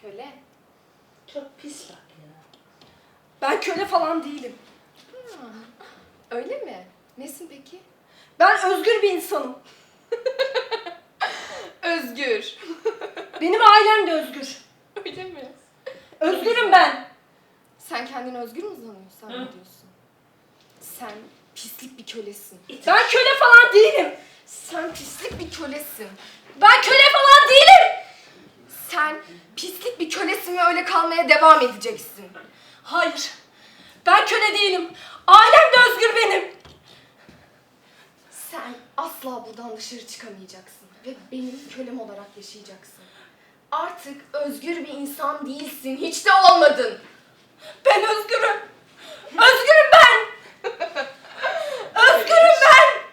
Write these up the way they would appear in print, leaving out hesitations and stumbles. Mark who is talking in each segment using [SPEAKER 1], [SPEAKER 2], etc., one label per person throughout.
[SPEAKER 1] Köle.
[SPEAKER 2] Çok pis laf ya.
[SPEAKER 3] Ben köle falan değilim.
[SPEAKER 1] Öyle mi? Nesin peki?
[SPEAKER 3] Ben özgür bir insanım.
[SPEAKER 1] Özgür.
[SPEAKER 3] Benim ailem de özgür.
[SPEAKER 1] Öyle mi?
[SPEAKER 3] Özgürüm ben.
[SPEAKER 1] Sen kendini özgür mü zannediyorsun? Sen pislik bir kölesin.
[SPEAKER 3] Ben köle falan değilim.
[SPEAKER 1] Sen pislik bir kölesin.
[SPEAKER 3] Ben köle falan değilim.
[SPEAKER 1] Sen pislik bir kölesin ve öyle kalmaya devam edeceksin.
[SPEAKER 3] Hayır. Ben köle değilim. Ailem de özgür benim.
[SPEAKER 1] Sen asla buradan dışarı çıkamayacaksın ve benim kölem olarak yaşayacaksın. Artık özgür bir insan değilsin, hiç de olmadın.
[SPEAKER 3] Ben özgürüm. Özgürüm ben. Özgürüm ben.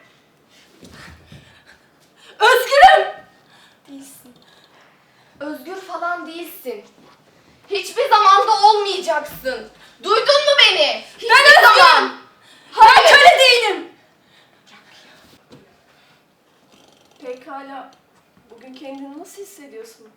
[SPEAKER 3] Özgürüm.
[SPEAKER 1] Değilsin. Özgür falan değilsin. Hiçbir zamanda olmayacaksın. Duydun mu beni? Hiçbir
[SPEAKER 3] Ben özgürüm.
[SPEAKER 1] zaman.
[SPEAKER 3] Ben köle değilim. Pekala. Bugün kendini nasıl hissediyorsun?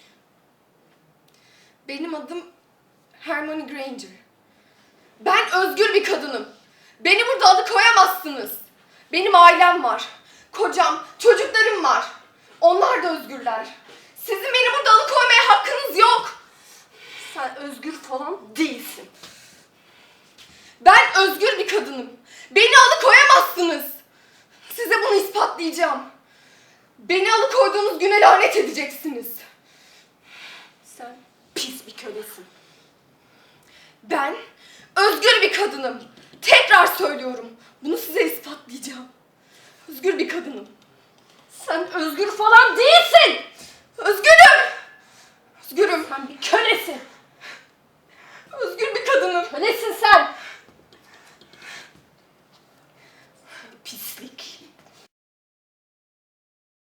[SPEAKER 1] Benim adım Hermione Granger. Ben özgür bir kadınım. Beni burada alıkoyamazsınız. Benim ailem var. Kocam, çocuklarım var. Onlar da özgürler. Sizin beni burada alıkoymaya hakkınız yok.
[SPEAKER 3] Sen özgür falan değilsin.
[SPEAKER 1] Ben özgür bir kadınım. Beni alıkoyamazsınız. Size bunu ispatlayacağım. Beni alıkoyduğunuz güne lanet edeceksiniz.
[SPEAKER 3] Sen pis bir kölesin.
[SPEAKER 1] Ben özgür bir kadınım. Tekrar söylüyorum. Bunu size ispatlayacağım. Özgür bir kadınım.
[SPEAKER 3] Sen özgür falan değilsin.
[SPEAKER 1] Özgürüm.